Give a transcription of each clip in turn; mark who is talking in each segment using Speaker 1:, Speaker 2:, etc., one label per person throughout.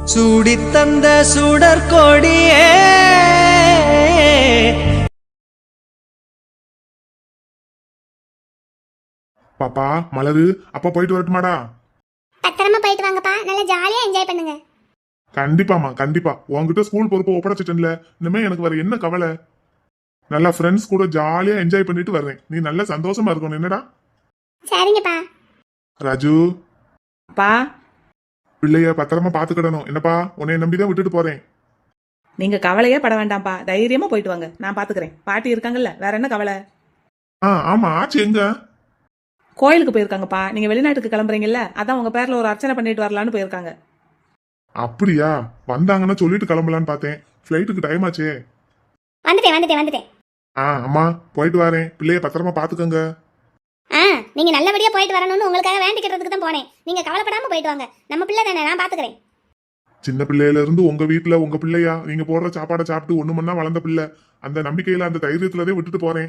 Speaker 1: சூடித்தந்த சுடற்கொடியே.
Speaker 2: பாப்பா மலரு, அப்பா போயிட்டு வரட்டுமாடா?
Speaker 3: பத்திரமா போயிட்டு வாங்கப்பா, நல்லா ஜாலியா என்ஜாய் பண்ணுங்க.
Speaker 2: கண்டிப்பாமா கண்டிப்பா. உன்கிட்ட ஸ்கூல் பொறுப்பை ஒப்படைச்சிட்டேன்ல, இனிமே எனக்கு வேற என்ன கவலை? நல்லா ஃப்ரெண்ட்ஸ் கூட ஜாலியா என்ஜாய் பண்ணிட்டு வர்றேன். நீ நல்ல சந்தோஷமா இருக்கணும், என்னடா?
Speaker 3: சரிங்கப்பா.
Speaker 2: ராஜு,
Speaker 4: பா,
Speaker 2: பிள்ளைய பத்திரமா பாத்துக்கிடணும் என்னப்பா. உன்னை நம்பிதான் விட்டுட்டு போறேன்.
Speaker 4: நீங்க கவலையே பட வேண்டாம்ப்பா, தைரியமா போயிட்டு வாங்க, நான் பாத்துக்கிறேன். பாட்டி இருக்காங்கல்ல, வேற என்ன கவலை?
Speaker 2: ஆமா, ஆச்சு எங்க?
Speaker 4: கோயிலுக்கு போயிருக்காங்கப்பா. நீங்க வெளிநாட்டுக்கு கிளம்புறீங்கல்ல, அதான் உங்க பேர்ல ஒரு அர்ச்சனை பண்ணிட்டு வரலான்னு போயிருக்காங்க.
Speaker 2: அப்படியா? வந்தாங்கன்னா சொல்லிட்டு கிளம்பலான்னு பார்த்தேன். ஃபிளைட்டுக்கு டைம் ஆச்சே.
Speaker 3: வந்துட்டேன்.
Speaker 2: அம்மா போயிட்டு வரேன். பிள்ளைய பத்திரமா பாத்துக்கோங்க.
Speaker 3: நீங்க நல்லபடியா போயிட்டு வரணும்னு உங்களுக்காக வேண்டிக்கிறதுக்கு தான் போனேன். நீங்க கவலைப்படாம போயிட்டு வாங்க. நம்ம பிள்ளை தானே, நான் பாத்துக்கிறேன்.
Speaker 2: சின்ன பிள்ளையில இருந்து உங்க வீட்டுல உங்க பிள்ளையா, நீங்க போடுற சாப்பாடை சாப்பிட்டு ஒண்ணு மண்ணா வளர்ந்த பிள்ளை. அந்த நம்பிக்கையில அந்த தைரியத்துலதே விட்டுட்டு போறேன்.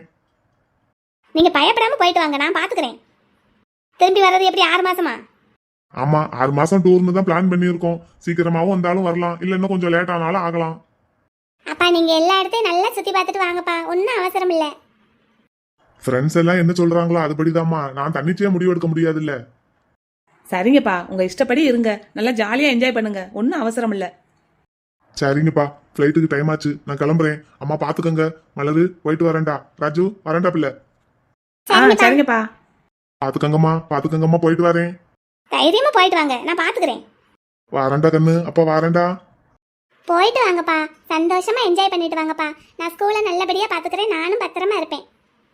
Speaker 3: நீங்க பயப்படாம போயிட்டு வாங்க, நான் பாத்துக்கிறேன். திரும்பி வர்றது எப்படி, 6 மாசமா?
Speaker 2: ஆமா, 6 மாசம் டூர்னு தான் பிளான் பண்ணியிருக்கோம். சீக்கிரமாவும் வந்தாலும் வரலாம், இல்ல இன்னும் கொஞ்சம் லேட் ஆனாலும் ஆகலாம்.
Speaker 3: அப்பா நீங்க எல்லா இடத்தையும் நல்லா சுத்தி பார்த்துட்டு வாங்கப்பா, ஒன்னும் அவசரம் இல்ல.
Speaker 2: ஃப்ரெண்ட்ஸ் எல்லாம் என்ன சொல்றாங்களோ அதுபடிதாம்மா. நான் தன்னிச்சையா முடிவெடுக்க முடியாது இல்ல.
Speaker 4: சரிங்கப்பா, உங்க இஷ்டப்படி இருங்க, நல்லா ஜாலியா என்ஜாய் பண்ணுங்க, ஒன்னும் அவசரம் இல்ல.
Speaker 2: சரிங்கப்பா, ஃபிளைட்டுக்கு டைம் ஆச்சு, நான் கிளம்புறேன். அம்மா பாத்துக்கோங்க. மலரு போயிட்டு வரேன்டா. ராஜு வரேன்டா பிள்ளை.
Speaker 4: சரிங்கப்பா.
Speaker 2: பாத்துக்கங்கம்மா போயிட்டு வரேன்.
Speaker 3: தைரியமா போயிட்டு வாங்க, நான் பாத்துக்கிறேன்.
Speaker 2: வரேன்டா கண்ணு, அப்பா வரேன்டா.
Speaker 3: போயிட்டு வாங்கப்பா, சந்தோஷமா என்ஜாய் பண்ணிட்டு வாங்கப்பா. நான் ஸ்கூலை நல்லபடியா பாத்துக்கிறேன், நானும் பத்திரமா இருப்பேன்.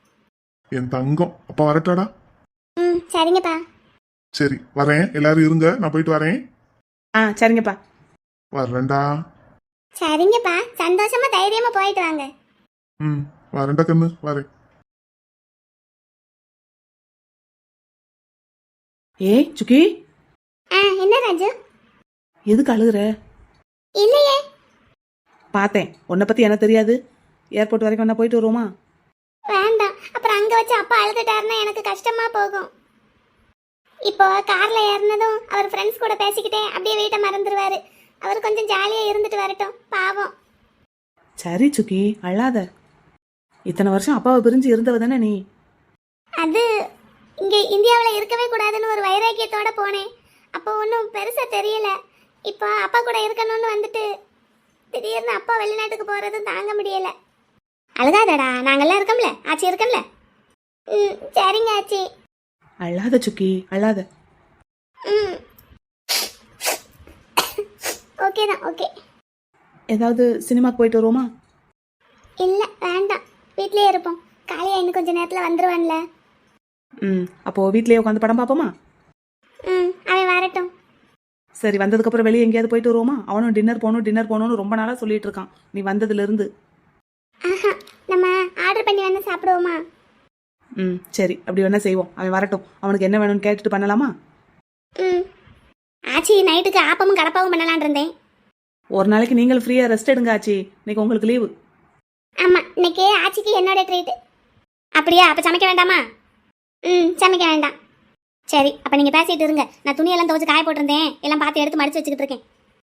Speaker 2: என் தங்கம், அப்பா வரட்டாடா?
Speaker 3: சரிங்கப்பா.
Speaker 2: சரி வரேன், எல்லாரும் இருங்க, நான் போயிட்டு வரேன்.
Speaker 4: சரிங்கப்பா.
Speaker 2: வரேன்டா.
Speaker 3: சரிங்கப்பா, சந்தோஷமா தைரியமா போயிட்டு வாங்க.
Speaker 2: வரேன்டா கண்ணு, வரேன்.
Speaker 4: சுக்கி,
Speaker 3: என்ன ராஜு?
Speaker 4: எதுக்கு அழுகுற?
Speaker 3: இல்லையே.
Speaker 4: பார்த்தேன், உன்னை பத்தி எனக்கு தெரியாது. ஏர்போர்ட் வரைக்கும் என்ன போயிட்டு வருவோமா?
Speaker 3: வேண்டாம், அப்புறம் அங்க வச்சு அப்பா அழுதுட்டாருன்னா எனக்கு கஷ்டமா போகும். இப்போ கார்ல ஏறினதும் அவர் ஃப்ரெண்ட்ஸ் கூட பேசிக்கிட்டே அப்படியே வீட்டை மறந்துடுவாரு. அவர் கொஞ்சம் ஜாலியா இருந்துட்டு வரட்டும், பாவம்.
Speaker 4: சரி சுக்கி, அழாத. இத்தனை வருஷம் அப்பாவை பிரிஞ்சு இருந்தவ தானே நீ.
Speaker 3: அது இங்க இந்தியாவில் இருக்கவே கூடாதுன்னு ஒரு வைராக்கியத்தோட போனேன். அப்போ ஒன்றும் பெருசா தெரியல. இப்போ அப்பா கூட இருக்கணும்னு வந்துட்டு திடீர்னு அப்பா வெளிநாட்டுக்கு போறதும் தாங்க முடியல. அழுகாதடா, நாங்கெல்லாம் இருக்கோம்ல, ஆச்சி இருக்கோம்ல. சரிங்க ஆச்சி.
Speaker 4: அழாத சுக்கி, அழாத.
Speaker 3: ஓகே தான், ஓகே.
Speaker 4: ஏதாவது சினிமாக்கு போயிட்டு வருவோமா?
Speaker 3: இல்லை வேண்டாம், வீட்லயே இருப்போம். காலையா இன்னும் கொஞ்ச நேரத்தில் வந்துருவான்ல.
Speaker 4: அப்போ வீட்லயே உட்காந்து படம் பார்ப்போமா?
Speaker 3: அவன் வரட்டும்.
Speaker 4: சரி, வந்ததுக்கப்புறம் வெளியே எங்கேயாவது போயிட்டு வருவோமா? அவனும் டின்னர் போகணும்னு ரொம்ப நாளாக சொல்லிட்டு இருக்கான், நீ வந்ததுலேருந்து.
Speaker 3: நம்ம ஆர்டர் பண்ணி வேணா சாப்பிடுவோமா?
Speaker 4: சரி, அப்படி வேணா செய்வோம். அவன் வரட்டும், அவனுக்கு என்ன வேணும்னு கேட்டுட்டு பண்ணலாமா?
Speaker 3: ஆச்சி நைட்டுக்கு ஆப்பமும் கடப்பாவும் பண்ணலான் இருந்தேன்.
Speaker 4: ஒரு நாளைக்கு நீங்கள் ஃப்ரீயாக ரெஸ்ட் எடுங்க ஆச்சி, இன்னைக்கு உங்களுக்கு லீவு.
Speaker 3: ஆமாம், இன்னைக்கு ஆச்சிக்கு என்னோட ட்ரீட். அப்படியா? அப்போ சமைக்க வேண்டாமா? சமைக்க வேண்டாம். சரி, அப்போ நீங்கள் பேசிட்டு இருங்க, நான் துணியெல்லாம் துவச்சி காய போட்டிருந்தேன், எல்லாம் பார்த்து எடுத்து மடிச்சு வச்சுக்கிட்டு இருக்கேன்.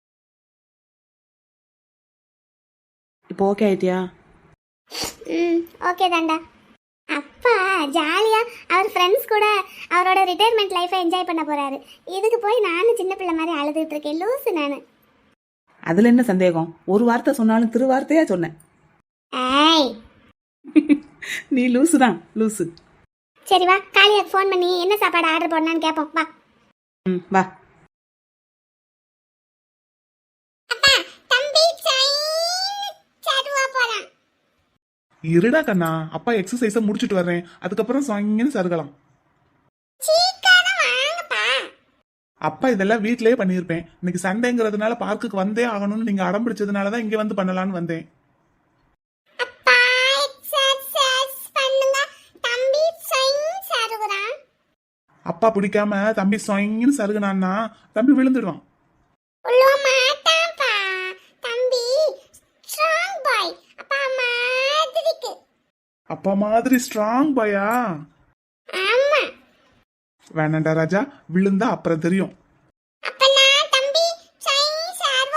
Speaker 4: இப்போ ஓகே ஆயிட்டியா?
Speaker 3: ஓகே தாண்டா. அப்பா ஜாலியா அவர் ஃப்ரெண்ட்ஸ் கூட அவரோட ரிட்டையர்மெண்ட் லைஃபை என்ஜாய் பண்ண போறாரு. இதுக்கு போய் நானும் சின்ன பிள்ளை மாதிரி அழுதுட்டு இருக்கேன், லூசு நானு.
Speaker 4: அதுல என்ன சந்தேகம்? ஒரு வார்த்தை சொன்னாலும் திருவார்த்தையா சொன்னேன்.
Speaker 3: ஏய்
Speaker 4: நீ லூசு தான், லூசு.
Speaker 3: சரி வா, காளியாக்கு ஃபோன் பண்ணி என்ன சாப்பாடு ஆர்டர் போடணும்னு கேட்போம், வா.
Speaker 4: வா.
Speaker 2: இருடா கண்ணா, அப்பா எக்ஸசைஸ முடிச்சிட்டு வர்றேன், அதுக்கப்புறம் சாயங்காலம் சருகலாம். அப்பா இதெல்லாம் வீட்லயே பண்ணியிருப்பேன். இன்னைக்கு சண்டேங்கிறதுனால பார்க்குக்கு வந்தே ஆகணும்னு நீங்க அடம் பிடிச்சதுனாலதான் இங்க வந்து பண்ணலான்னு வந்தேன். அப்பா பிடிக்காம தம்பி சாயங்காலம் சருகுனான்னா தம்பி விழுந்துடுவான். அப்பா மாதிரி ஸ்ட்ராங் பாயா? வேணாண்டா ராஜா, விழுந்தா அப்புறம் தெரியும்.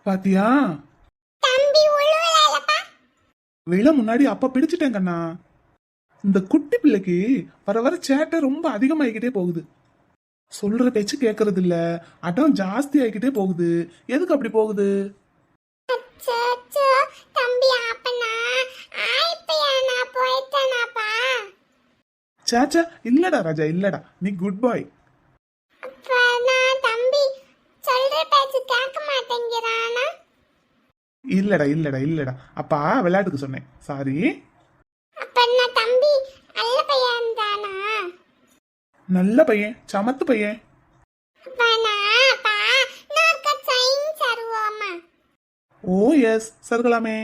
Speaker 5: பாத்தியா
Speaker 3: தம்பி உழுவலப்பா.
Speaker 5: விழ முன்னாடி அப்ப பிடிச்சிட்டேன் கண்ணா. இந்த குட்டி பிள்ளைக்கு வர வர சேட்டை ரொம்ப அதிகமாகிக்கிட்டே போகுது. சொல்ற பேச்சு கேட்கறது இல்ல, அடம் ஜாஸ்தி ஆகிக்கிட்டே போகுது. எதுக்கு அப்படி போகுது?
Speaker 3: அச்சோ தம்பி அப்பனா ஆயிப்பையா நான் போயிட்டேனாப்பா.
Speaker 5: சேச்சா இல்லடா ராஜா, இல்லடா, நீ குட் பாய்.
Speaker 3: அப்ப நான் தம்பி சொல்ற பேச்சு கேட்க மாட்டேங்கிறானா?
Speaker 5: இல்லடா இல்லடா இல்லடா, அப்பா விளையாட்டுக்கு சொன்னேன், சாரி.
Speaker 3: அப்ப நான் தம்பி நல்ல பையன் தானா?
Speaker 5: நல்ல பையன், சமத்து பையன்.
Speaker 3: அப்ப நான்ப்பா நாக்க சைன் சருவோமா.
Speaker 5: ஓ எஸ், சருகலாமே.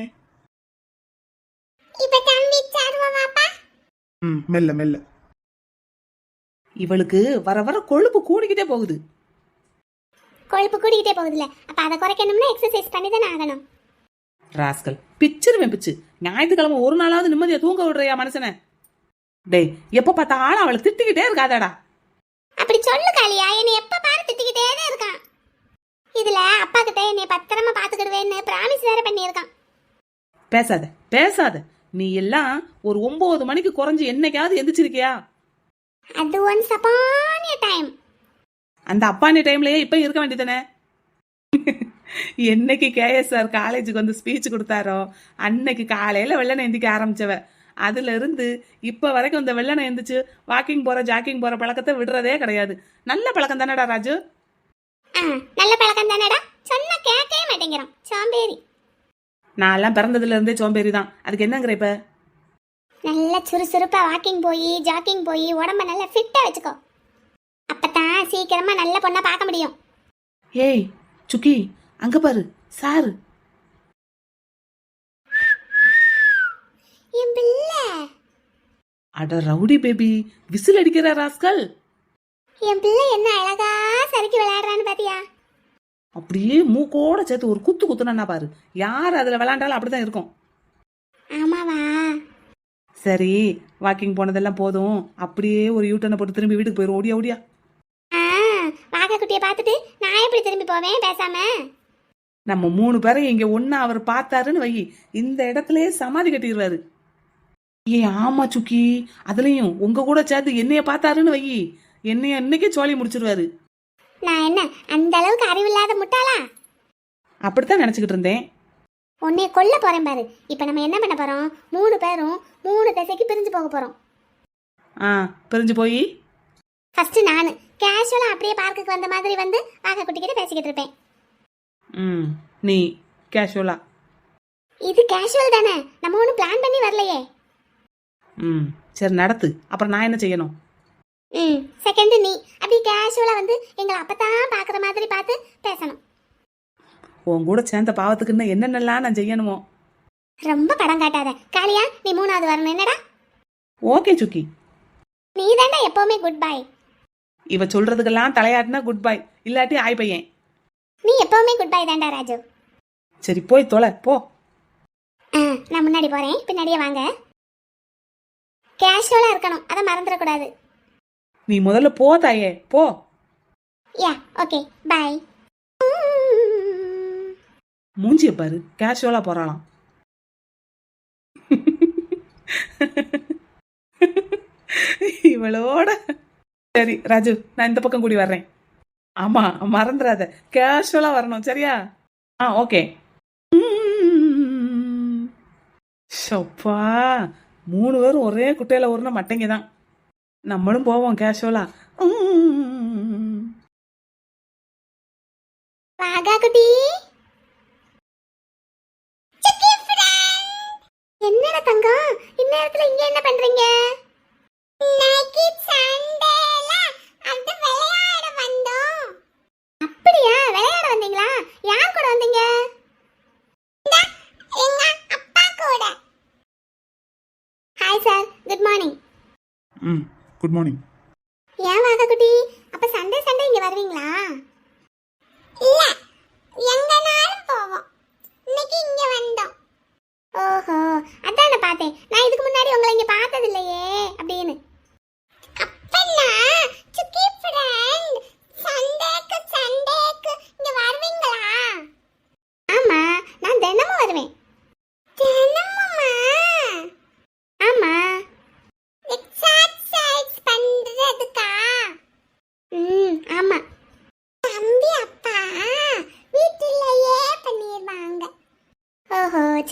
Speaker 3: இப்ப தம்பி சருவோமாப்பா.
Speaker 5: மெல்ல மெல்ல.
Speaker 4: இவளுக்கு வர வர கொழுப்பு கூடிக்கிட்டே போகுது.
Speaker 3: கொழுப்பு கூடிக்கிட்டே போகுதுல, அப்ப அதை குறைக்கணும்னா எக்ஸசைஸ் பண்ணி தானே ஆகணும்.
Speaker 4: ராஸ்கல் பிச்சிருவேன் பிச்சு. ஞாயிற்றுக்கிழமை ஒரு நாளாவது நிம்மதியா தூங்க விடுறியா மனுஷனை? டேய், எப்ப பார்த்தாலும் அவளை திட்டிக்கிட்டே இருக்காதடா.
Speaker 3: அப்படி சொல்லு காளியா, என்னை எப்ப பாரு திட்டிக்கிட்டே தான் இருக்கான். இதுல அப்பா கிட்ட என்னை பத்திரமா பாத்துக்கிடுவேன்னு பிராமிஸ் வேற பண்ணியிருக்கான்.
Speaker 4: பேசாத பேசாத. நீ எல்லாம் ஒரு 9 மணிக்கு குறைஞ்சு என்னைக்காவது எந்திரிச்சிருக்கியா?
Speaker 3: அது ஒன்ஸ் அப்பான் எ டைம்.
Speaker 4: அந்த அப்பானி டைம்லயே இப்ப இருக்க வேண்டியதானே? என்னைக்கு கேஎஸ் சார் காலேஜுக்கு வந்து ஸ்பீச் கொடுத்தாரோ அன்னைக்கு காலையில வெள்ளனை எந்திக்க ஆரம்பிச்சவ. அதுல இருந்து இப்ப வரைக்கும் இந்த வெள்ளனை எந்திரிச்சு வாக்கிங் போற ஜாக்கிங் போற பழக்கத்தை விடுறதே கிடையாது. நல்ல பழக்கம் தானடா ராஜு?
Speaker 3: நல்ல பழக்கம் தானடா, சொன்னா கேட்கவே மாட்டேங்கிறான் சோம்பேறி.
Speaker 4: நான் எல்லாம் பிறந்ததுல இருந்தே சோம்பேறி தான். அதுக்கு என்னங்கிற இப்ப?
Speaker 3: நல்ல சுறுசுறுப்பா வாக்கிங் போய் ஜாக்கிங் போய் உடம்ப நல்லா ஃபிட்டா வச்சுக்கோ. அப்பதான் சீக்கிரமா நல்ல பொண்ணா பார்க்க முடியும்.
Speaker 4: ஏய் சுக்கி, அங்க பாரு சாரு.
Speaker 3: என் பிள்ளை,
Speaker 4: அட ரவுடி பேபி, விசில் அடிக்கிற ராஸ்கல்.
Speaker 3: என் பிள்ளை என்ன அழகா சறுக்கி விளையாடுறான்னு பாத்தியா?
Speaker 4: அப்படியே மூக்கோட சேர்த்து ஒரு குத்து குத்துனா பாரு. யார் அதுல விளையாண்டாலும் அப்படிதான் இருக்கும்.
Speaker 3: ஆமாவா?
Speaker 4: சரி, வாக்கிங் போனதெல்லாம் போதும். அப்படியே ஒரு யூட்டனை போட்டு திரும்பி வீட்டுக்கு போயிரும். ஓடியா ஓடியா.
Speaker 3: வாகா குட்டியை பார்த்துட்டு நான் எப்படி திரும்பி போவேன் பேசாம?
Speaker 4: நம்ம 3 பேரையும் இங்க ஒன்னா அவர் பார்த்தாருன்னு வை, இந்த இடத்துலயே சமாதி கட்டிடுவாரு. ஏ ஆமா சுக்கி, அதுலயும் உங்க கூட சேர்த்து என்னைய பார்த்தாருன்னு வை, என்னைய இன்னைக்கே சோழி முடிச்சிருவாரு.
Speaker 3: நான் என்ன அந்த அளவுக்கு அறிவில்லாத முட்டாளா?
Speaker 4: அப்படித்தான் நினைச்சுக்கிட்டு இருந்தேன்.
Speaker 3: உன்னைய கொல்ல போறேன் பாரு. இப்ப நம்ம என்ன பண்ண போறோம்? 3 பேரும் 3 திசைக்கு பிரிஞ்சு போக போறோம்.
Speaker 4: பிரிஞ்சு போய்
Speaker 3: ஃபர்ஸ்ட் நான் கேஷுவலா அப்படியே பார்க்குக்கு வந்த மாதிரி வந்து வாகா குட்டிக்கிட்ட பேசிக்கிட்டு இருப்பேன்.
Speaker 4: நீ கேஷுவலா.
Speaker 3: இது கேஷுவல் தானே, நம்ம ஒன்றும் பிளான் பண்ணி வரலையே.
Speaker 4: சரி நடத்து. அப்புறம் நான் என்ன செய்யணும்?
Speaker 3: செகண்ட் நீ அப்படி கேஷுவலா வந்து எங்களை அப்பதான் பாக்குற மாதிரி பார்த்து பேசணும்.
Speaker 4: உன் கூட சேர்ந்த பாவத்துக்கு இன்னும் என்னென்னலாம் நான் செய்யணுமோ?
Speaker 3: ரொம்ப படம் காட்டாத காளியா, நீ 3வது வரணும். என்னடா?
Speaker 4: ஓகே சுக்கி.
Speaker 3: நீ தாண்டா எப்பவுமே குட் பை.
Speaker 4: இவ சொல்றதுக்கெல்லாம் தலையாட்டினா குட் பை, இல்லாட்டி ஆய் பையன்.
Speaker 3: நீ எப்பவுமே குட் பை தாண்டா ராஜு.
Speaker 4: சரி போய் தொலை போ.
Speaker 3: நான் முன்னாடி போறேன், பின்னாடியே வாங்க. கேஷுவலா இருக்கணும், அதை மறந்துடக்கூடாது.
Speaker 4: நீ முதல்ல போ தாயே, போ.
Speaker 3: Yeah okay bye.
Speaker 4: மூஞ்சிய பாரு, கேஷுவலா போறாளாம். இவளோட சரி ராஜு, நான் இந்த பக்கம் கூடி வர்றேன். ஆமா மறந்துடாத, கேஷுவலா வரணும் சரியா? ஓகே. ஷப்பா, 3 பேரும் ஒரே குட்டையில ஊர்ன மட்டைங்க தான். நம்மளும் போவோம் கேஷுவலா.
Speaker 3: வாகா குட்டி, என்னடா தங்கம் இந்நேரத்துல இங்க என்ன பண்றீங்க? இன்னைக்கு சண்டேல அது விளையாட வந்தோம். அப்படியா, விளையாட வந்தீங்களா? யார் கூட வந்தீங்க? எங்க அப்பா கூட. Hi sir, good morning.
Speaker 5: Good morning.
Speaker 3: ஏன் வாகா குட்டி, அப்ப சண்டே சண்டே இங்க வருவீங்களா? இல்ல, எங்கனாலும் போவோம். இன்னைக்கு இங்க வந்தோம். ஓஹோ, அதான் நான் பார்த்தேன். நான் இதுக்கு முன்னாடி உங்களை இங்க பார்த்தது இல்லையே அப்படின்னு. அப்பனா சுக்கி ஃப்ரெண்ட், சண்டேக்கு இங்க வருவீங்களா?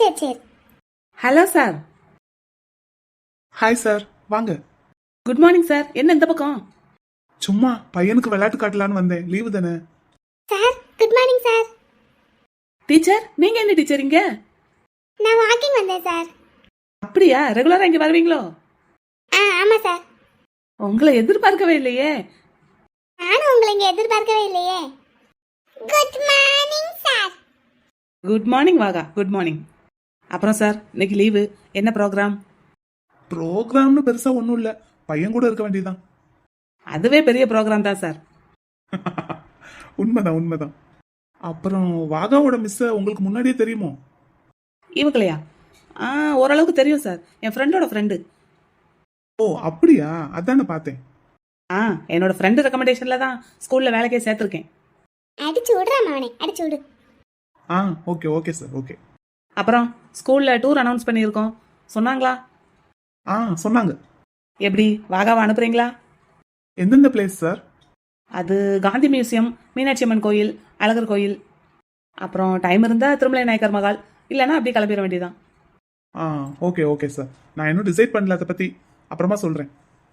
Speaker 3: சரி சரி.
Speaker 4: Hello sir.
Speaker 5: ஹாய் சார், வாங்க.
Speaker 4: Good morning sir. என்ன இந்த பக்கம்?
Speaker 5: சும்மா பையனுக்கு விளையாட்டு காட்டலான்னு வந்தேன், லீவு தானே.
Speaker 3: Sir good morning sir.
Speaker 4: Teacher, நீங்க என்ன டீச்சர் இங்க?
Speaker 3: நான் வாக்கிங் வந்தேன் சார்.
Speaker 4: அப்படியா, ரெகுலரா இங்க வருவீங்களோ?
Speaker 3: ஆமா சார்.
Speaker 4: உங்களை எதிர்பார்க்கவே இல்லையே.
Speaker 3: நானும் உங்களை இங்க எதிர்பார்க்கவே இல்லையே. Good morning sir.
Speaker 4: Good morning Vaaga, good morning. அப்புறம் சார், இன்னைக்கு லீவு, என்ன ப்ரோக்ராம்?
Speaker 5: ப்ரோக்ராம்னு பெருசா ஒன்றும் இல்லை, பையன் கூட இருக்க வேண்டியதுதான்.
Speaker 4: அதுவே பெரிய ப்ரோக்ராம் தான் சார்.
Speaker 5: உண்மைதான் உண்மைதான். அப்புறம் வாகாவோட மிஸ்ஸை உங்களுக்கு முன்னாடியே தெரியுமோ?
Speaker 4: இவங்களையா? ஓரளவுக்கு தெரியும் சார். என் ஃப்ரெண்டோட ஃப்ரெண்டு.
Speaker 5: ஓ அப்படியா, அதானே பார்த்தேன்.
Speaker 4: என்னோட ஃப்ரெண்டு ரெக்கமெண்டேஷன்ல தான் ஸ்கூல்ல வேலைக்கே சேர்த்துருக்கேன்.
Speaker 3: அடிச்சு விடுறான் அவனை, அடிச்சு விடு.
Speaker 5: Okay okay sir, okay.
Speaker 4: அப்புறம் ஸ்கூல்ல டூர் அனௌன்ஸ் பண்ணியிருக்கோம், சொன்னாங்களா?
Speaker 5: சொன்னாங்க.
Speaker 4: எப்படி, வாகாவை அனுப்புறீங்களா?
Speaker 5: எந்தெந்த பிளேஸ் சார்?
Speaker 4: அது காந்தி மியூசியம், மீனாட்சி அம்மன் கோயில், அழகர் கோயில். அப்புறம் டைம் இருந்தால் திருமலை நாயக்கர் மகால், இல்லைன்னா அப்படியே கிளம்பிட வேண்டியதான்.
Speaker 5: ஓகே ஓகே சார், நான் இன்னும் டிசைட் பண்ணல அதை பற்றி, அப்புறமா சொல்கிறேன்.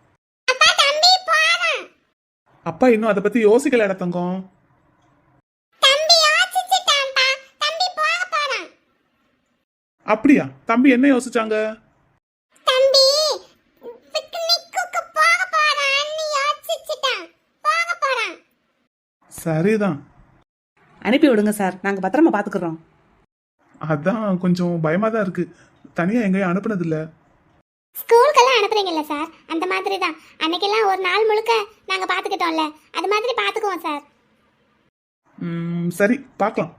Speaker 5: அப்பா இன்னும் அதை பற்றி யோசிக்கல தங்கம். அப்படியா, தம்பி என்ன யோசிச்சாங்க? சரிதான்.
Speaker 4: அனுப்பி விடுங்க சார், நாங்கள் பத்திரமா பார்த்துக்குறோம்.
Speaker 5: அதான் கொஞ்சம் பயமா தான் இருக்கு, தனியா எங்கேயும் அனுப்புனது இல்ல.
Speaker 3: ஸ்கூலுக்கெல்லாம் அனுப்புறீங்கல்ல சார், அந்த மாதிரி தான். அன்னைக்கெல்லாம் ஒரு நாள் முழுக்க நாங்க பாத்துக்கிட்டோம்ல, அது மாதிரி பாத்துக்குவோம் சார்.
Speaker 5: சரி பார்க்கலாம்.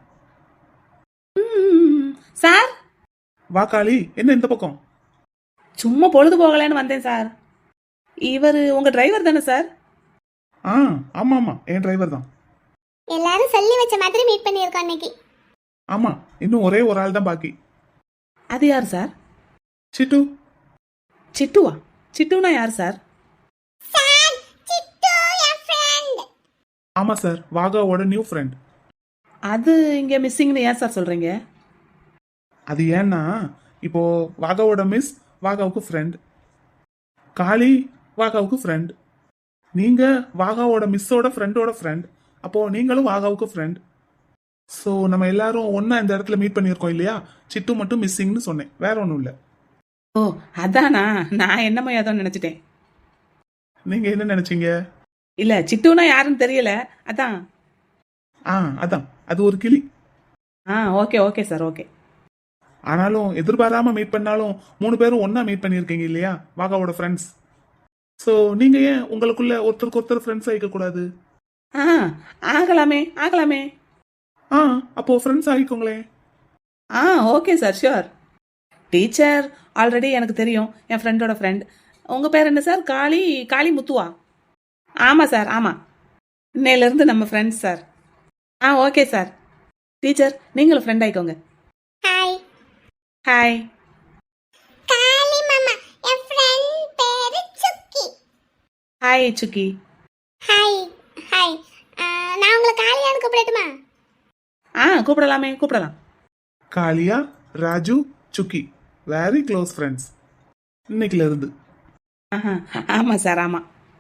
Speaker 4: சார்,
Speaker 5: வா காளி, என்ன இந்த பக்கம்?
Speaker 4: சும்மா பொழுது போகலன்னு வந்தேன் சார். இவர் உங்க டிரைவர் தானே சார்?
Speaker 5: ஆமா ஆமா, என் டிரைவர் தான்.
Speaker 3: எல்லாரும் சொல்லி வச்ச மாதிரி மீட் பண்ணியிருக்கோம் இன்னைக்கு.
Speaker 5: ஆமா, இன்னும் ஒரே ஒரு ஆள் தான் பாக்கி.
Speaker 4: அது யார் சார்?
Speaker 5: சிட்டு.
Speaker 4: சிட்டுவா? சிட்டுனா யார் சார்?
Speaker 3: சார், சிட்டு என் ஃப்ரெண்ட்.
Speaker 5: ஆமா சார், வாகாவோட நியூ ஃப்ரெண்ட்.
Speaker 4: அது இங்க மிஸ்ஸிங்னு ஏன் சார் சொல்றீங்க?
Speaker 5: அது ஏன்னா இப்போ வாகாவோட மிஸ் வாகாவுக்கு ஃப்ரெண்ட், காளி வாகாவுக்கு ஃப்ரெண்ட், நீங்க வாகாவோட மிஸ்ஸோட ஃப்ரெண்டோட ஃப்ரெண்ட், அப்போ நீங்களும் வாகாவுக்கு ஃப்ரெண்ட். ஸோ நம்ம எல்லாரும் ஒன்னா இந்த இடத்துல மீட் பண்ணியிருக்கோம் இல்லையா? சிட்டு மட்டும் மிஸ்ஸிங்னு சொன்னேன், வேற ஒன்றும் இல்லை.
Speaker 4: ஓ அதானா, நான் என்னமோ ஏதோ நினைச்சிட்டேன்.
Speaker 5: நீங்க என்ன நினைச்சீங்க?
Speaker 4: இல்ல, சிட்டுனா யாருன்னு தெரியல, அதான்.
Speaker 5: அதான், அது ஒரு கிளி.
Speaker 4: Okay okay sir, okay.
Speaker 5: ஆனாலும் எதிர்பாராம மீட் பண்ணாலும் 3 பேரும் ஒன்னா மீட் பண்ணியிருக்கீங்க இல்லையா, வாகாவோட ஃப்ரெண்ட்ஸ். ஸோ நீங்க ஏன் உங்களுக்குள்ள ஒருத்தருக்கு ஒருத்தர் ஃப்ரெண்ட்ஸ் ஆகிக்க கூடாது?
Speaker 4: ஆகலாமே ஆகலாமே.
Speaker 5: அப்போ ஃப்ரெண்ட்ஸ் ஆகிக்கோங்களே.
Speaker 4: Okay sir, sure. Teacher already எனக்கு தெரியும், என் ஃப்ரெண்டோட ஃப்ரெண்ட். உங்க பேர் என்ன சார்? காளி முத்துவா? ஆமா சார், ஆமா. இன்னையிலேருந்து நம்ம friends sir. Okay sir. Teacher நீங்களும் ஃப்ரெண்ட் ஆயிக்கோங்க.
Speaker 3: ஹாய்.
Speaker 4: ஹாய்.
Speaker 3: காளி மாமா, என் ஃப்ரெண்ட் பேரு Sukki.
Speaker 4: Hi Sukki.
Speaker 3: Hi. Hi. நான் உங்களை காளியான்னு கூப்பிடட்டுமா?
Speaker 4: கூப்பிடலாமே, கூப்பிடலாம்.
Speaker 5: காளியா, Raju, Sukki very close friends இன்னைக்குல இருந்து.
Speaker 4: ஆமா சார், ஆமா.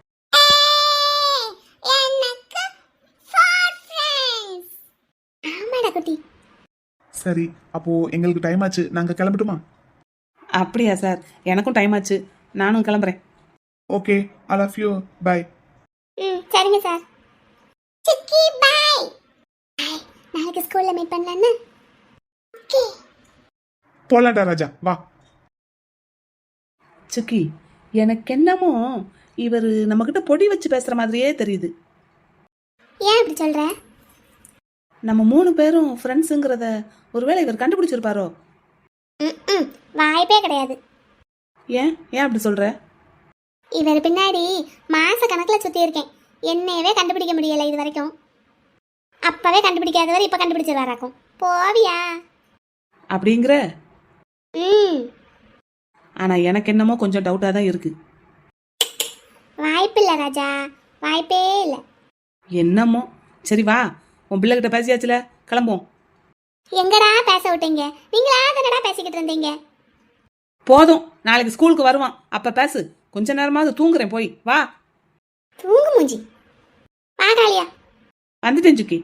Speaker 5: சரி, அப்போ எங்களுக்கு டைம் ஆச்சு, நாங்க கிளம்பட்டுமா?
Speaker 4: அப்படியா சார், எனக்கும் டைம் ஆச்சு, நானும் கிளம்புறேன்.
Speaker 5: Okay, I love you, bye.
Speaker 3: சரிங்க சார். சிக்கி பை. நாளைக்கு ஸ்கூல்ல மீட் பண்ணலாம்னு. ஓகே.
Speaker 5: போலாண்டா ராஜா, வா.
Speaker 4: சுக்கி, எனக்கு என்னமோ இவர் நம்மகிட்ட பொடி வச்சு பேசுற மாதிரியே தெரியுது.
Speaker 3: ஏன் அப்படி சொல்ற?
Speaker 4: நம்ம 3 பேரும் ஃப்ரெண்ட்ஸுங்கிறத ஒருவேளை இவர் கண்டுபிடிச்சிருப்பாரோ?
Speaker 3: வாய்ப்பே கிடையாது.
Speaker 4: ஏன் அப்படி சொல்ற?
Speaker 3: இவர் பின்னாடி மாச கணக்குல சுத்தி இருக்கேன், என்னையவே கண்டுபிடிக்க முடியல இது வரைக்கும். அப்பவே கண்டுபிடிக்காதவர் இப்ப கண்டுபிடிச்சிருவாராக்கும். போவியா?
Speaker 4: அப்படிங்கிற? ஆனா எனக்கு என்னமோ கொஞ்சம் டவுட்டா தான் இருக்கு.
Speaker 3: வாய்ப்பு இல்ல ராஜா, வாய்ப்பே இல்ல.
Speaker 4: என்னமோ. சரி வா, உன் பிள்ளைகிட்ட பேசியாச்சுல, கிளம்புவோம்.
Speaker 3: எங்கடா பேச விட்டீங்க? நீங்களா தானடா பேசிக்கிட்டு இருந்தீங்க.
Speaker 4: போதும், நாளைக்கு ஸ்கூலுக்கு வருவான், அப்ப பேசு. கொஞ்ச நேரமாவது தூங்குறேன், போய் வா.
Speaker 3: தூங்கு மூஞ்சி. வாடாலியா.
Speaker 4: வந்துட்டேன் சுக்கி.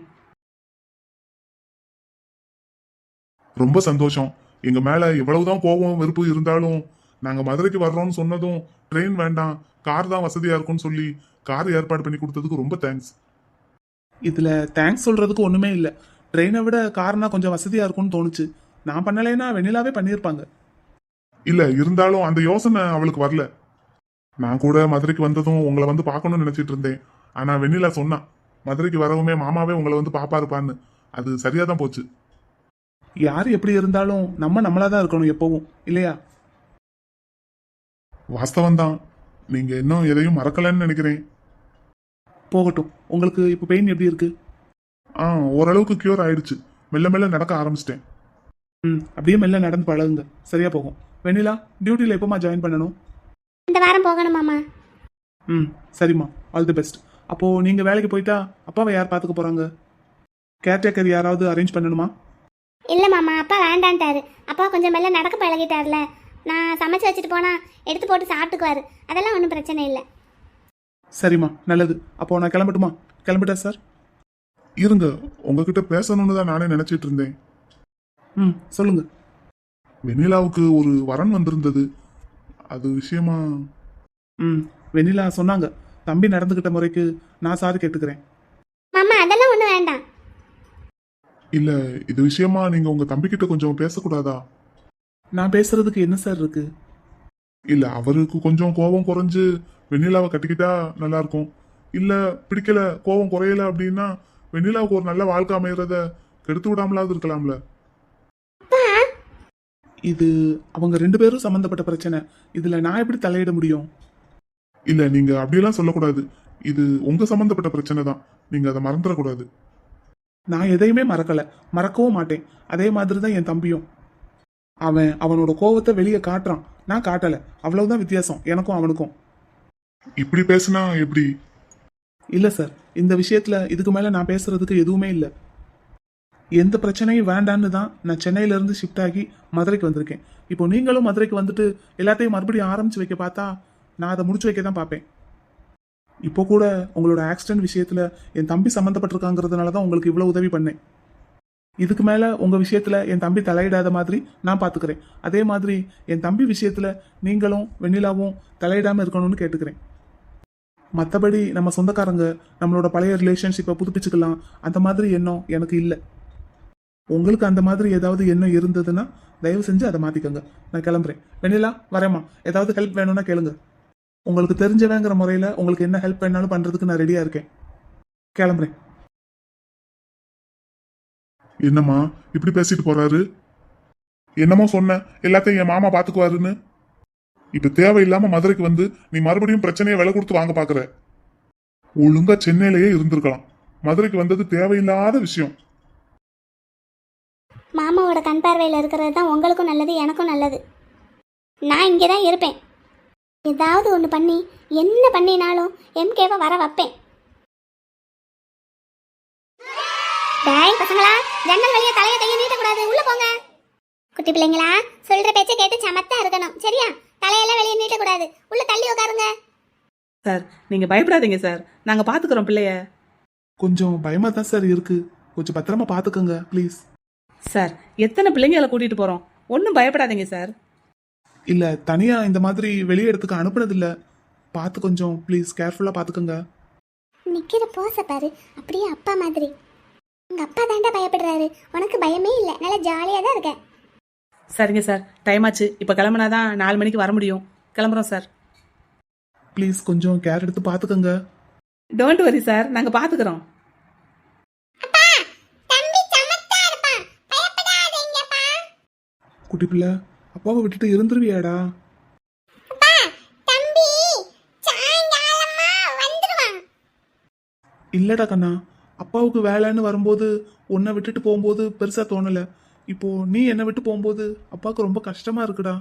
Speaker 2: ரொம்ப சந்தோஷம். எங்க மேல எவ்வளவுதான் கோபம் வெறுப்பு இருந்தாலும் நாங்க மதுரைக்கு வர்றோம்னு சொன்னதும் ட்ரெயின் வேண்டாம், கார் தான் வசதியா இருக்கும்னு சொல்லி கார் ஏற்பாடு பண்ணி கொடுத்ததுக்கு ரொம்ப தேங்க்ஸ்.
Speaker 5: இதுல தேங்க்ஸ் சொல்றதுக்கு ஒண்ணுமே இல்ல. ட்ரெயினை விட கார்னா கொஞ்சம் வசதியா இருக்கும்னு தோணுச்சு. நான் பண்ணலைன்னா வெண்ணிலாவே பண்ணியிருப்பாங்க.
Speaker 2: இல்ல இருந்தாலும் அந்த யோசனை அவளுக்கு வரல. நான் கூட மதுரைக்கு வந்ததும் உங்களை வந்து பார்க்கணும்னு நினைச்சிட்டு இருந்தேன். ஆனா வெண்ணிலா சொன்னா மதுரைக்கு வரவுமே மாமாவே உங்களை வந்து பாப்பாருப்பான்னு. அது சரியா தான் போச்சு.
Speaker 5: யார் எப்படி இருந்தாலும் நம்ம நம்மளாதான் இருக்கணும் எப்பவும், இல்லையா?
Speaker 2: வாஸ்தவம் தான். நீங்க இன்னும் எதையும் மறக்கலன்னு நினைக்கிறேன்.
Speaker 5: போகட்டும். உங்களுக்கு இப்போ பெயின் எப்படி இருக்கு?
Speaker 2: ஓரளவுக்கு கியூர் ஆயிடுச்சு. மெல்ல மெல்ல நடக்க ஆரம்பிச்சிட்டேன்.
Speaker 5: அப்படியே மெல்ல நடந்து பழகுங்க, சரியா போகும். வெண்ணிலா, டியூட்டியில் எப்போமா ஜாயின் பண்ணணும்?
Speaker 3: இந்த வாரம் போகணும் மாமா.
Speaker 5: சரிம்மா, ஆல் தி பெஸ்ட். அப்போ நீங்க வேலைக்கு போயிட்டா அப்பாவை யார் பார்த்துக்க போறாங்க? கேர்டேக்கர் யாராவது அரேஞ்ச் பண்ணணுமா?
Speaker 3: இல்ல மாமா, அப்பா வேண்டான்ட்டாரு. அப்பா கொஞ்சம் மெல்ல நடக்க பழகிட்டார்ல. நான் சமைச்சு வச்சுட்டு போனா எடுத்து போட்டு சாப்பிட்டுக்குவாரு. அதெல்லாம் ஒன்றும் பிரச்சனை இல்லை.
Speaker 5: சரிம்மா, நல்லது. அப்போ நான் கிளம்பட்டுமா? கிளம்பிட்டா சார்?
Speaker 2: இருங்க, உங்ககிட்ட பேசணும்னு தான் நானே நினைச்சிட்டு இருந்தேன்.
Speaker 5: சொல்லுங்க.
Speaker 2: வெண்ணிலாவுக்கு ஒரு வரன் வந்திருந்தது, அது விஷயமா.
Speaker 5: வெண்ணிலா சொன்னாங்க. தம்பி நடந்துகிட்ட முறைக்கு நான் சாரி கேட்டுக்கிறேன்.
Speaker 3: மாமா அதெல்லாம் ஒன்றும் வேண்டாம்.
Speaker 2: இல்ல, இது விஷயமா நீங்க உங்க தம்பிக்கிட்ட கொஞ்சம் பேசக்கூடாதா?
Speaker 5: நான் பேசுறதுக்கு என்ன சார் இருக்கு?
Speaker 2: இல்ல, அவருக்கு கொஞ்சம் கோபம் குறைஞ்சு வெண்ணிலாவை கட்டிக்கிட்டா நல்லா இருக்கும். இல்ல பிடிக்கல, கோபம் குறையல அப்படின்னா வெண்ணிலாவுக்கு ஒரு நல்ல வாழ்க்கை அமையறத கெடுத்து விடாமலாவது இருக்கலாம்ல.
Speaker 5: இது அவங்க 2 பேரும் சம்பந்தப்பட்ட பிரச்சனை. இதுல நான் எப்படி தலையிட முடியும்?
Speaker 2: இல்ல, நீங்க அப்படியெல்லாம் சொல்லக்கூடாது. இது உங்க சம்பந்தப்பட்ட பிரச்சனை தான். நீங்க அதை மறந்துடக்கூடாது.
Speaker 5: நான் எதையுமே மறக்கல, மறக்கவும் மாட்டேன். அதே மாதிரி தான் என் தம்பியும். அவனோட கோவத்தை வெளியே காட்டுறான், நான் காட்டல. அவ்வளவுதான் வித்தியாசம் எனக்கும் அவனுக்கும்.
Speaker 2: இப்படி பேசினா எப்படி?
Speaker 5: இல்ல சார், இந்த விஷயத்துல இதுக்கு மேல நான் பேசுறதுக்கு எதுவுமே இல்லை. எந்த பிரச்சனையும் வேண்டான்னு தான் நான் சென்னையில இருந்து ஷிஃப்ட் ஆகி மதுரைக்கு வந்திருக்கேன். இப்போ நீங்களும் மதுரைக்கு வந்துட்டு எல்லாத்தையும் மறுபடியும் ஆரம்பிச்சு வைக்க பார்த்தா நான் அதை முடிச்சு வைக்க தான் பார்ப்பேன். இப்போ கூட உங்களோட ஆக்சிடென்ட் விஷயத்துல என் தம்பி சம்மந்தப்பட்டிருக்காங்கிறதுனால தான் உங்களுக்கு இவ்வளவு உதவி பண்ணேன். இதுக்கு மேல உங்க விஷயத்துல என் தம்பி தலையிடாத மாதிரி நான் பாத்துக்கிறேன். அதே மாதிரி என் தம்பி விஷயத்துல நீங்களும் வெண்ணிலாவும் தலையிடாம இருக்கணும்னு கேட்டுக்கிறேன். மற்றபடி நம்ம சொந்தக்காரங்க நம்மளோட பழைய ரிலேஷன்ஷிப்பை புதுப்பிச்சுக்கலாம், அந்த மாதிரி எண்ணம் எனக்கு இல்லை. உங்களுக்கு அந்த மாதிரி ஏதாவது எண்ணம் இருந்ததுன்னா தயவு செஞ்சு அதை மாத்திக்கோங்க. நான் கிளம்புறேன். வெண்ணிலா, வரேம்மா. ஏதாவது ஹெல்ப் வேணும்னா கேளுங்க. உங்களுக்கு தெரிஞ்சவங்கிற முறையில உங்களுக்கு என்ன ஹெல்ப் வேணாலும் பண்றதுக்கு நான் ரெடியா இருக்கேன். கிளம்புறேன்.
Speaker 2: என்னம்மா இப்படி பேசிட்டு போறாரு? என்னமோ சொன்ன, எல்லாத்தையும் என் மாமா பாத்துக்குவாருன்னு. இப்ப தேவையில்லாம மதுரைக்கு வந்து நீ மறுபடியும் பிரச்சனையை விலை கொடுத்து வாங்க பாக்குற. ஒழுங்கா சென்னையிலேயே இருந்திருக்கலாம். மதுரைக்கு வந்தது தேவையில்லாத விஷயம்.
Speaker 3: மாமாவோட கண் பார்வையில் இருக்கிறது தான் உங்களுக்கும் நல்லது, எனக்கும் நல்லது. நான் இங்கே தான் இருப்பேன். ஏதாவது ஒன்று பண்ணி என்ன பண்ணினாலும் எம்கேவை வர வைப்பேன். டேய் பசங்களா, ஜன்னல் வழியா தலையை கையை நீட்டக்கூடாது, உள்ள போங்க. குட்டி பிள்ளைங்களா, சொல்ற பேச்சை கேட்டு சமத்தா இருக்கணும், சரியா? தலையெல்லாம் வெளியே நீட்டக்கூடாது, உள்ள தள்ளி உட்காருங்க.
Speaker 4: சார், நீங்க பயப்படாதீங்க சார், நாங்க பாத்துக்கிறோம் பிள்ளைய.
Speaker 5: கொஞ்சம் பயமா தான் சார் இருக்கு. கொஞ்சம் பத்திரமா பாத்துக்கோங்க ப்ளீஸ்.
Speaker 4: சார், எத்தனை பிள்ளைங்களை கூட்டிட்டு போறோம், ஒன்றும் பயப்படாதீங்க சார்.
Speaker 5: இல்ல, தனியா இந்த மாதிரி வெளியே இடத்துக்கு அனுப்புனது இல்ல. பார்த்து கொஞ்சம் ப்ளீஸ் கேர்ஃபுல்லா பாத்துக்கோங்க.
Speaker 3: நிக்கிற போச பாரு, அப்படியே அப்பா மாதிரி. உங்க அப்பா தாண்டா பயப்படுறாரு, உனக்கு பயமே இல்லை, நல்லா ஜாலியாக தான் இருக்க.
Speaker 4: சரிங்க சார், டைம் ஆச்சு. இப்போ கிளம்புனாதான் 4 மணிக்கு வர முடியும். கிளம்புறோம் சார்.
Speaker 5: ப்ளீஸ் கொஞ்சம் கேர் எடுத்து பாத்துக்கோங்க.
Speaker 4: டோன்ட் வரி சார், நாங்க பாத்துக்கிறோம்.
Speaker 5: குட்டி பிள்ளை, அப்பாவை விட்டுட்டு இருந்துருவியாடா? இல்லடா கண்ணா, அப்பாவுக்கு வேலைன்னு வரும்போது உன்னை விட்டுட்டு போகும்போது பெருசா தோணல. இப்போ நீ என்னை விட்டு போகும்போது அப்பாவுக்கு ரொம்ப கஷ்டமா இருக்குடா.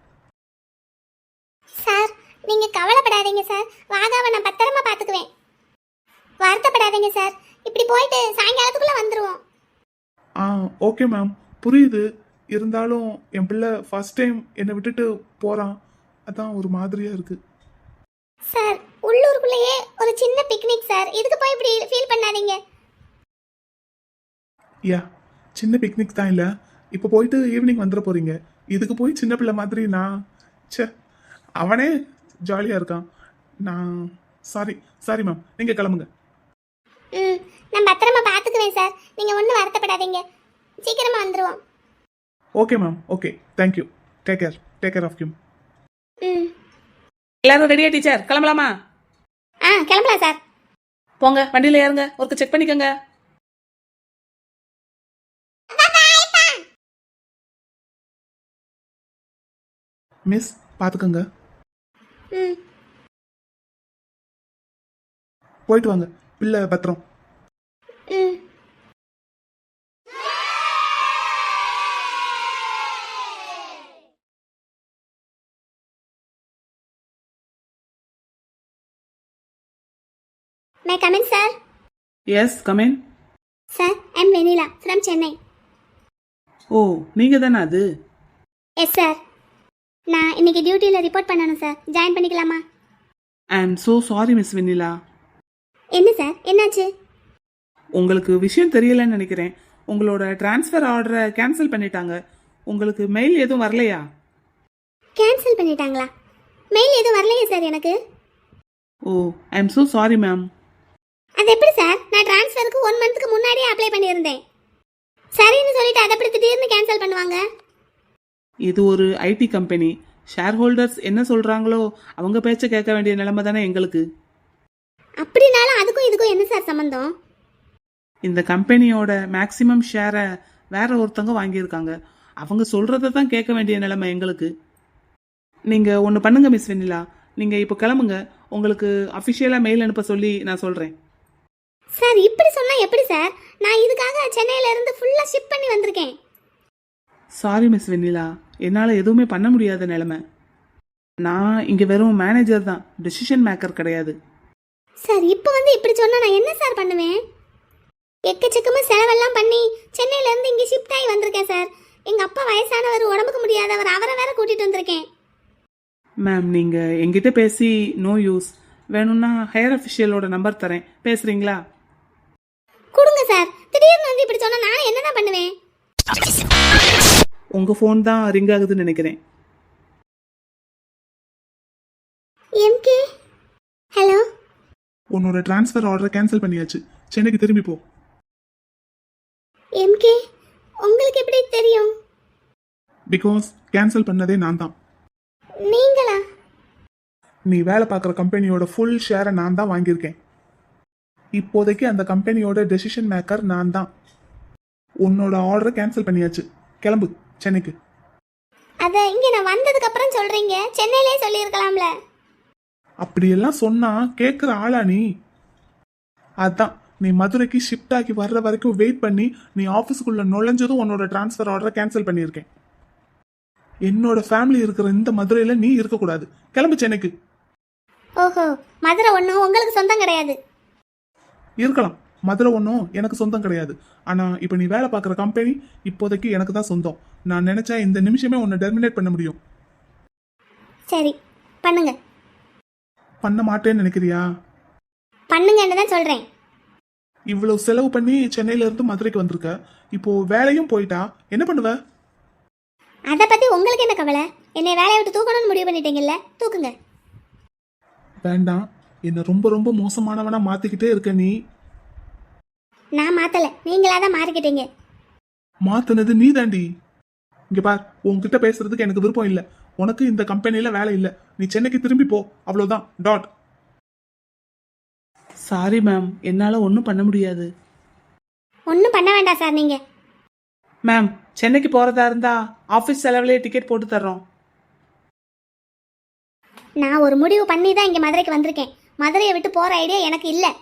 Speaker 3: சார், நீங்க கவலைப்படாதீங்க சார், வாகாவை நான் பத்திரமா பாத்துக்குவேன். வருத்தப்படாதீங்க சார், இப்படி போயிட்டு சாயங்காலத்துக்குள்ள வந்துருவோம்.
Speaker 5: ஆ ஓகே மேம், புரியுது. இருந்தாலும் என் பிள்ளை ஃபர்ஸ்ட் டைம் என்னை விட்டுட்டு போறான், அதான் ஒரு மாதிரியா இருக்கு.
Speaker 3: சார் உள்ளூருக்குள்ளேயே ஒரு சின்ன பிக்னிக் சார், இதுக்கு போய் இப்படி ஃபீல் பண்ணாதீங்க.
Speaker 5: யா, சின்ன பிக்னிக் தான் இல்லை, இப்போ போயிட்டு ஈவினிங் வந்துட போறீங்க. இதுக்கு போய் சின்ன பிள்ளை மாதிரி நான் ச்சே, அவனே ஜாலியாக இருக்கான். நான் சாரி சாரி மேம், நீங்கள் கிளம்புங்க.
Speaker 3: ம், நான் பத்திரமா பார்த்துக்குவேன் சார், நீங்கள் ஒன்றும் வருத்தப்படாதீங்க, சீக்கிரமாக வந்துடுவோம்.
Speaker 5: Okay ma'am, okay, thank you. Take care of him.
Speaker 3: ம்.
Speaker 4: எல்லாரும் ரெடியா டீச்சர்? கிளம்பலாமா?
Speaker 3: கிளம்பலாம் சார்.
Speaker 4: போங்க, வண்டியில ஏறுங்க, ஒருக்க செக் பண்ணிக்கோங்க.
Speaker 5: மிஸ் பார்த்துக்கோங்க,
Speaker 3: ம்.
Speaker 5: போயிட்டு வாங்க, பிள்ளை பத்திரம்.
Speaker 3: ம். May I come in, sir?
Speaker 4: Yes, come in.
Speaker 3: Sir, I'm Venila from Chennai.
Speaker 4: ஓ, நீங்க தானே அது?
Speaker 3: எஸ் சார், நான் இன்னைக்கு டியூட்டியில் ரிப்போர்ட் பண்ணணும் சார், ஜாயின் பண்ணிக்கலாமா?
Speaker 4: I am so sorry miss Vennila.
Speaker 3: என்ன சார், என்னாச்சு?
Speaker 4: உங்களுக்கு விஷயம் தெரியலன்னு நினைக்கிறேன். உங்களோட டிரான்ஸ்ஃபர் ஆர்டரை கேன்சல் பண்ணிட்டாங்க. உங்களுக்கு மெயில் எதுவும் வரலையா?
Speaker 3: கேன்சல் பண்ணிட்டாங்களா? மெயில் எதுவும் வரலையே சார் எனக்கு.
Speaker 4: ஓ, I am so sorry ma'am.
Speaker 3: அது எப்படி சார், நான் டிரான்ஸ்ஃபருக்கு 1 மந்த்துக்கு முன்னாடியே அப்ளை பண்ணியிருந்தேன். சரின்னு சொல்லிட்டு அதை எப்படி திடீர்னு கேன்சல் பண்ணுவாங்க?
Speaker 4: இது ஒரு ஐடி கம்பெனி. ஷேர் ஹோல்டர்ஸ் என்ன சொல்கிறாங்களோ அவங்க பேச்சை கேட்க வேண்டிய நிலைமை தானே எங்களுக்கு.
Speaker 3: அப்படினாலும் அதுக்கும் இதுக்கும் என்ன சார் சம்மந்தம்?
Speaker 4: இந்த கம்பெனியோட மேக்ஸிமம் ஷேரை வேற ஒருத்தவங்க வாங்கியிருக்காங்க. அவங்க சொல்கிறத தான் கேட்க வேண்டிய நிலைமை எங்களுக்கு. நீங்கள் ஒன்று பண்ணுங்க மிஸ் வெண்ணிலா, நீங்கள் இப்போ கிளம்புங்க. உங்களுக்கு அஃபிஷியலாக மெயில் அனுப்ப சொல்லி நான் சொல்கிறேன்.
Speaker 3: சார் இப்படி சொன்னால் எப்படி சார்? நான் இதுக்காக சென்னையிலேருந்து ஃபுல்லாக ஷிப் பண்ணி வந்திருக்கேன்.
Speaker 4: சாரி மிஸ் வெண்ணிலா, என்னால் எதுவுமே பண்ண முடியாத நிலைமை. நான் இங்கே வெறும் மேனேஜர் தான், டெசிஷன் மேக்கர் கிடையாது.
Speaker 3: சார் இப்போ வந்து இப்படி சொன்னால் நான் என்ன சார் பண்ணுவேன்? எக்கச்சக்கமாக செலவெல்லாம் பண்ணி சென்னையிலேருந்து இங்கே ஷிஃப்ட் ஆகி வந்திருக்கேன் சார். எங்கள் அப்பா வயசானவர், உடம்புக்கு முடியாதவர், அவரை வேற கூட்டிகிட்டு வந்திருக்கேன்.
Speaker 4: மேம், நீங்கள் எங்கிட்ட பேசி நோ யூஸ். வேணும்னா ஹையர் அஃபிஷியலோட நம்பர் தரேன், பேசுகிறீங்களா?
Speaker 3: கொடுங்க சார். திடீர்னு வந்து இப்படி சொன்னால் நான் என்ன தான் பண்ணுவேன்?
Speaker 4: உங்கள் ஃபோன் தான் ரிங் ஆகுதுன்னு நினைக்கிறேன்.
Speaker 3: எம்கே, ஹலோ.
Speaker 5: உன்னோட டிரான்ஸ்ஃபர் ஆர்டரை கேன்சல் பண்ணியாச்சு, சென்னைக்கு திரும்பி போ.
Speaker 3: எம்கே, உங்களுக்கு எப்படி தெரியும்?
Speaker 5: பிகாஸ் கேன்சல் பண்ணதே நான் தான்.
Speaker 3: நீங்களா?
Speaker 5: நீ வேலை பார்க்குற கம்பெனியோட ஃபுல் ஷேரை நான் தான் வாங்கியிருக்கேன். இப்போதைக்கு அந்த கம்பெனியோட டெசிஷன் மேக்கர் நான் தான். உன்னோட ஆர்டரை கேன்சல் பண்ணியாச்சு, கிளம்பு சென்னைக்கு.
Speaker 3: அதை இங்கே நான் வந்ததுக்கு அப்புறம் சொல்றீங்க, சென்னையிலே சொல்லியிருக்கலாம்ல.
Speaker 5: அப்படியெல்லாம் சொன்னா கேட்குற ஆளா நீ? அதான் நீ மதுரைக்கு ஷிஃப்ட் ஆகி வர்ற வரைக்கும் வெயிட் பண்ணி நீ ஆஃபீஸுக்குள்ள நுழைஞ்சதும் உன்னோட டிரான்ஸ்ஃபர் ஆர்டரை கேன்சல் பண்ணியிருக்கேன். என்னோட ஃபேமிலி இருக்கிற இந்த மதுரையில நீ இருக்கக்கூடாது, கிளம்பு சென்னைக்கு.
Speaker 3: ஓஹோ, மதுரை ஒன்றும் உங்களுக்கு சொந்தம் கிடையாது.
Speaker 5: இருக்கலாம், மதுரை ஒன்றும் எனக்கு சொந்தம் கிடையாது. ஆனால் இப்போ நீ வேலை பார்க்குற கம்பெனி இப்போதைக்கு எனக்கு தான் சொந்தம். நான் நினச்சா இந்த நிமிஷமே உன்னை டெர்மினேட் பண்ண முடியும்.
Speaker 3: சரி, பண்ணுங்க.
Speaker 5: பண்ண மாட்டேன்னு நினைக்கிறியா?
Speaker 3: பண்ணுங்கன்னு தான் சொல்கிறேன்.
Speaker 5: இவ்வளவு செலவு பண்ணி சென்னையில இருந்து மதுரைக்கு வந்திருக்க, இப்போ வேலையும் போயிட்டா என்ன பண்ணுவ?
Speaker 3: அதை பற்றி உங்களுக்கு என்ன கவலை? என்னை வேலையை விட்டு தூக்கணும்னு முடிவு பண்ணிட்டீங்கல்ல, தூக்குங்க.
Speaker 5: வேண்டாம், என்ன ரொம்ப ரொம்ப மோசமானவனா மாத்திக்கிட்டே இருக்க நீ.
Speaker 3: நான் மாற்றலை, நீங்களாக தான் மாறிக்கிட்டீங்க.
Speaker 5: மாத்தினது நீ தாண்டி. இங்க பார், உன்கிட்ட பேசுறதுக்கு எனக்கு விருப்பம் இல்லை. உனக்கு இந்த கம்பெனில வேலை இல்லை, நீ சென்னைக்கு திரும்பி போ, அவ்வளவுதான். டாட்.
Speaker 4: சாரி மேம், என்னால் ஒன்றும் பண்ண முடியாது.
Speaker 3: ஒன்றும் பண்ண வேண்டாம் சார். நீங்கள்
Speaker 4: மேம், சென்னைக்கு போகிறதா இருந்தால் ஆஃபீஸ் செலவுலேயே டிக்கெட் போட்டு தர்றோம்.
Speaker 3: நான் ஒரு முடிவு பண்ணி தான் இங்கே மதுரைக்கு வந்திருக்கேன். மதுரையை விட்டு போகிற ஐடியா எனக்கு இல்லை.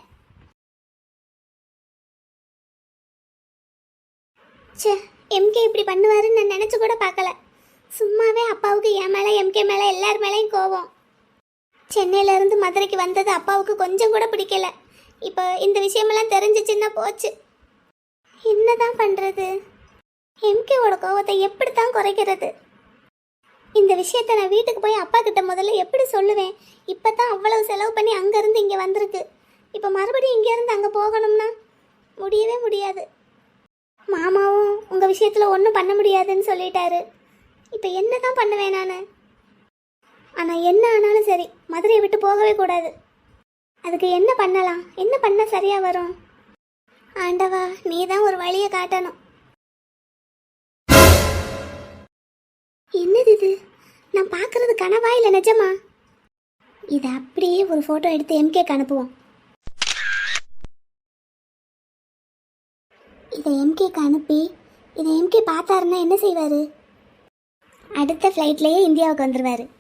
Speaker 3: சே, எம்கே இப்படி பண்ணுவாருன்னு நான் நினச்சி கூட பார்க்கல. சும்மாவே அப்பாவுக்கு என் மேலே, எம்கே மேலே, எல்லார் மேலேயும் கோவம். சென்னையிலேருந்து மதுரைக்கு வந்தது அப்பாவுக்கு கொஞ்சம் கூட பிடிக்கல. இப்போ இந்த விஷயமெல்லாம் தெரிஞ்சிச்சுன்னா போச்சு. என்னதான் பண்றது? எம்கேவோட கோவத்தை எப்படித்தான் குறைக்கிறது? இந்த விஷயத்த நான் வீட்டுக்கு போய் அப்பா கிட்ட முதல்ல எப்படி சொல்லுவேன்? இப்பதான் அவ்வளவு செலவு பண்ணி அங்கிருந்து இங்க வந்திருக்கு. இப்ப மறுபடியும் இங்க இருந்து அங்க போகணும்னா முடியவே முடியாது. மாமாவும் உங்க விஷயத்துல ஒன்றும் பண்ண முடியாதுன்னு சொல்லிட்டாரு. இப்ப என்னதான் பண்ணுவேன் நானு? ஆனா என்ன ஆனாலும் சரி, மதுரையை விட்டு போகவே கூடாது. அதுக்கு என்ன பண்ணலாம்? என்ன பண்ண சரியா வரும்? ஆண்டவா, நீ தான் ஒரு வழியை காட்டணும். என்னது இது? நான் பார்க்கறது கனவா இல்லை நிஜமா? இதை அப்படியே ஒரு ஃபோட்டோ எடுத்து எம்கேக்கு அனுப்புவோம். இதை எம்கேக்கு அனுப்பி இதை எம்கே பார்த்தாருன்னா என்ன செய்வார்? அடுத்த ஃப்ளைட்லேயே இந்தியாவுக்கு வந்துடுவார்.